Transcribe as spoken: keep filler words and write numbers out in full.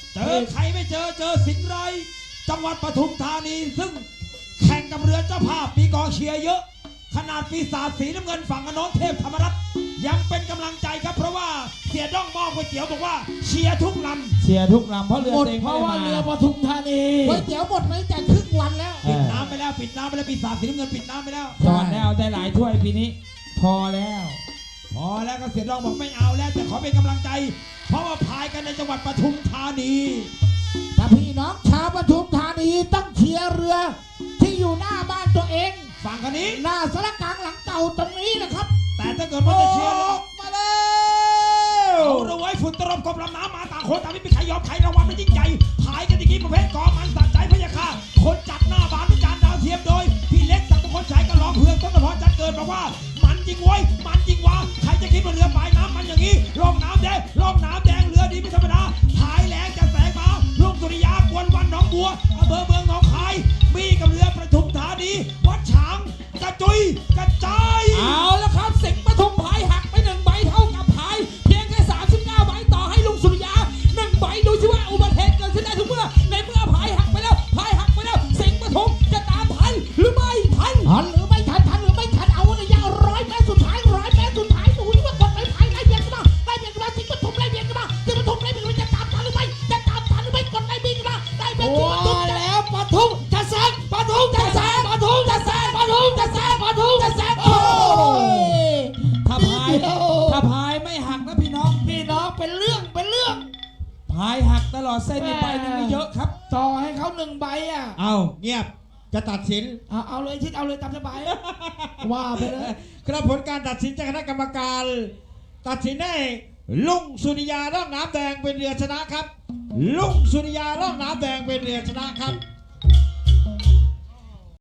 เจอใครไม่เจอเจอสิงห์ไรจังหวัดปทุมธานีซึ่งแข่งกับเรือเจ้าภาพมีกองเชียร์เยอะขนาดปีศาจสีน้ำเงินฝั่งอโนนเทพธรรมรัตน์ยังเป็นกำลังใจครับเพราะว่าเสียด้องมองก๋วยเตี๋ยวบอกว่าเชียร์ทุกลำเชียร์ทุกลำเพราะเรือหมดเองเพไม่ราะได้ว่ามาเรือปทุมธานีก๋วยเตี๋ยวหมดไหมแต่ครึ่งวันแล้วปิดน้ำไปแล้วปิดน้ำไปแล้วปีศาจสีน้ำเงินปิดน้ำไปแล้วจอดแล้วได้หลายถ้วยปีนี้ พอแล้วพอแล้วก็เสียด้องบอกไม่เอาแล้วแต่ขอเป็นกำลังใจ เพราะว่าพายกันในจังหวัดปทุมธานีถ้าพี่น้องชาวปทุมธานีต้องเชียร์เรือที่อยู่หน้าบ้านตัวเองฝั่งคันนี้หน้าสารกลางหลังเก่าตรงนี้นะครับแต่ถ้าเกิดว่าจะเชียร์แล้วมาแล้วเอาละไว้ฝุ่นตลบกบลำน้ำมาต่างคนต่างไม่มีใครยอมใครรางวัลมันยิ่งใหญ่พายกันอย่างนี้ประเภทกอมันสักใจพะยาค่ะคนจัดหน้าบานวิจารณ์ดาวเทียมโดยพี่เล็กสักมงคลชัยก็ร้องเพื่อนต้นตะพอจัดเกิดบอกว่ามันจริงไว้มันจริงวะใครจะคิดว่าเรือปลายน้ำมันอย่างนี้ร่องน้ำแดงร่องน้ำแดงเรือดีไม่ธรรมดาพายแรงจะแสงมาลุงสุริยากวนวันหนองบัวอำเภอเมืองหนองคายมีกับเรือประทุมธานีวัดฉางกระจุยกระจายเอาแล้วครับสิงห์ปทุมพายหักไปหนึ่งใบเท่ากับพายเพียงแค่สามสิบเก้าใบต่อให้ลุงสุริยาหนึ่งใบดูสิว่าอุบัติเหตุเกิดขึ้นได้ทุกเมื่อในเมื่อพายหักไปแล้วพายหักไปแล้วสิงห์ปทุมจะตามทันหรือไม่ทันทันหรือไม่ทันทันหรือไม่ทันเอาระยะร้อยเมตรสุดท้ายร้อยเมตรสุดท้ายดูที่ว่ากดไม่พายไล่เบียดกันมาไล่เบียดกันมาสิงห์ปทุมไล่เบียดกันมาสิงห์ปทุมไล่เบียดกันมาจะตามทันหรือไม่จะตามทันหรือไม่กดไล่เบียดกันมาไล่เบียดสิงห์ปทุมแล้วปทุมจะแซงปทุมจะแซงปทุมจะแซงปทุมจะแซงปทุมจะแซงโอ้ยถ้าพายถ้าพายไม่หักนะพี่น้องพี่น้องเป็นเรื่องเป็นเรื่องพายหักตลอดเส้นนี้ไปนี่ไม่เยอะครับต่อให้เขาหนึ่งใบอ่ะเอาเงียบจะตัดสินเอาเอาเลยชิดเอาเลยตามสบายว่าไปเลยกระผลการตัดสินจากคณะกรรมการ ตัดสินให้ลุงสุริยาร่องน้ำแดงเป็นเรือชนะครับ ลุงสุริยาร่องน้ำแดงเป็นเรือชนะครับ